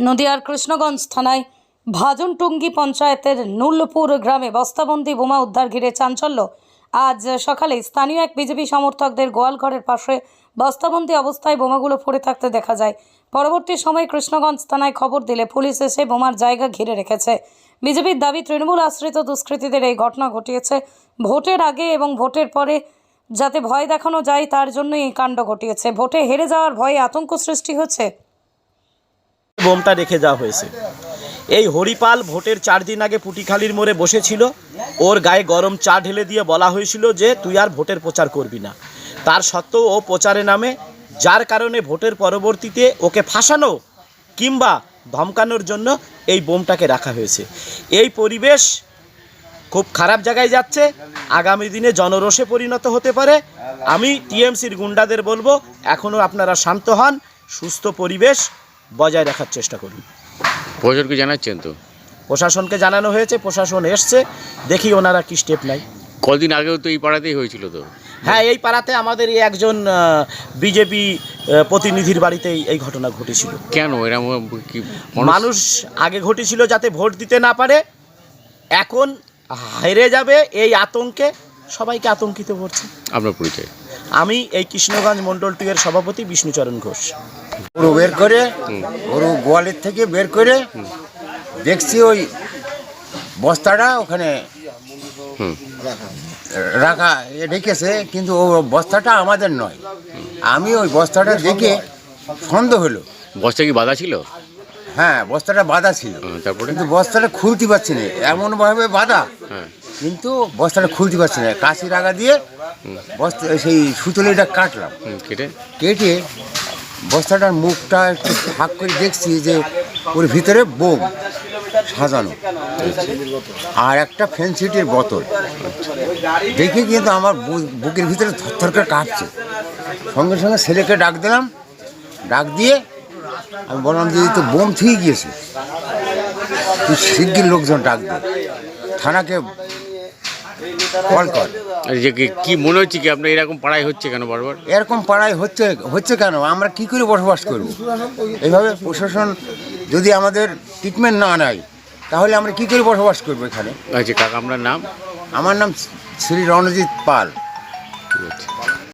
নদিয়ার কৃষ্ণগঞ্জ থানায় ভাজনটুঙ্গি পঞ্চায়েতের নুলপুর গ্রামে বস্তাবন্দি বোমা উদ্ধার ঘিরে চাঞ্চল্য। আজ সকালে স্থানীয় এক বিজেপি সমর্থকদের গোয়ালঘরের পাশে বস্তাবন্দি অবস্থায় বোমাগুলো পড়ে থাকতে দেখা যায়। পরবর্তী সময়ে কৃষ্ণগঞ্জ থানায় খবর দিলে পুলিশ এসে বোমার জায়গা ঘিরে রেখেছে। বিজেপির দাবি, তৃণমূল আশ্রিত দুষ্কৃতীদের এই ঘটনা ঘটিয়েছে। ভোটের আগে এবং ভোটের পরে যাতে ভয় দেখানো যায় তার জন্যই এই কাণ্ড ঘটিয়েছে। ভোটে হেরে যাওয়ার ভয়ে আতঙ্ক সৃষ্টি হচ্ছে। বোমটা রেখে যাওয়া হয়েছে। এই হরিপাল ভোটের 4 দিন আগে পুটিখালির মোড়ে বসেছিল। ওর গায়ে গরম চা ঢেলে দিয়ে বলা হয়েছিল যে তুই আর ভোটের প্রচার করবি না। তার সত্ত্বেও ও প্রচারে নামে, যার কারণে ভোটের পরবর্তীতে ওকে ফাঁসানো কিংবা ধমকানোর জন্য এই বোমটাকে রাখা হয়েছে। এই পরিবেশ খুব খারাপ জায়গায় যাচ্ছে। আগামী দিনে জনরোষে পরিণত হতে পারে। আমি টিএমসির গুন্ডাদের বলবো, এখনও আপনারা শান্ত হন, সুস্থ পরিবেশ বজায় রাখার চেষ্টা করুন। প্রশাসনকে জানাচ্ছেন তো? প্রশাসনকে জানানো হয়েছে, প্রশাসন এসছে, দেখি ওনারা কি স্টেপ নেয়। কদিন আগেও তো এই পাড়াতেই হয়েছিল তো। হ্যাঁ, এই পাড়াতে আমাদের এই একজন বিজেপি প্রতিনিধির বাড়িতেই এই ঘটনা ঘটেছিল। কেন এরকম কি মানুষ আগে ঘটেছিল যাতে ভোট দিতে না পারে, এখন হেরে যাবে এই আতঙ্কে সবাইকে আতঙ্কিত করছে। আপনার পরিচয়? আমি এই কৃষ্ণগঞ্জ মণ্ডল 2 এর সভাপতি বিষ্ণুচরণ ঘোষ। গরু বের করে, গরু গোয়ালের থেকে বের করে দেখছি ওই বস্তাটা ওখানে রাখা রেখেছে, কিন্তু ও বস্তাটা আমাদের নয়। আমি ওই বস্তাটা দেখে সন্দেহ হলো। বস্তা কি বাধা ছিল? হ্যাঁ, বস্তাটা বাঁধা ছিল, তারপরে কিন্তু বস্তাটা খুলতে পারছি না, এমনভাবে বাঁধা, হ্যাঁ, কিন্তু বস্তাটা খুলতে পারছি না। কাশি রাগা দিয়ে বস্তা সেই সুতলিটা কাটলাম, কেটে বস্তাটার মুখটা একটু ফাঁক করে দেখছি যে ওর ভিতরে বোম সাজানো আর একটা ফেন্সিটির বোতল। দেখে কিন্তু আমার বুকের ভিতরে থরথর করে কাঁপছে। সঙ্গে সঙ্গে ছেলেকে ডাক দিলাম, ডাক দিয়ে আমি বললাম যে তো বোম ঠিক গিয়েছে, তুই শিগগির লোকজন ডাক দে, থানাকে কল কর। যে কি মনে হচ্ছে কি আপনার এরকম পাড়ায় হচ্ছে কেন বারবার? এরকম পাড়ায় হচ্ছে কেন? আমরা কি করে বসবাস করব? এইভাবে প্রশাসন যদি আমাদের ট্রিটমেন্ট না নেয় তাহলে আমরা কি করে বসবাস করবো এখানে? আচ্ছা কাকা, আপনার নাম? আমার নাম শ্রী রণজিৎ পাল। ঠিক আছে।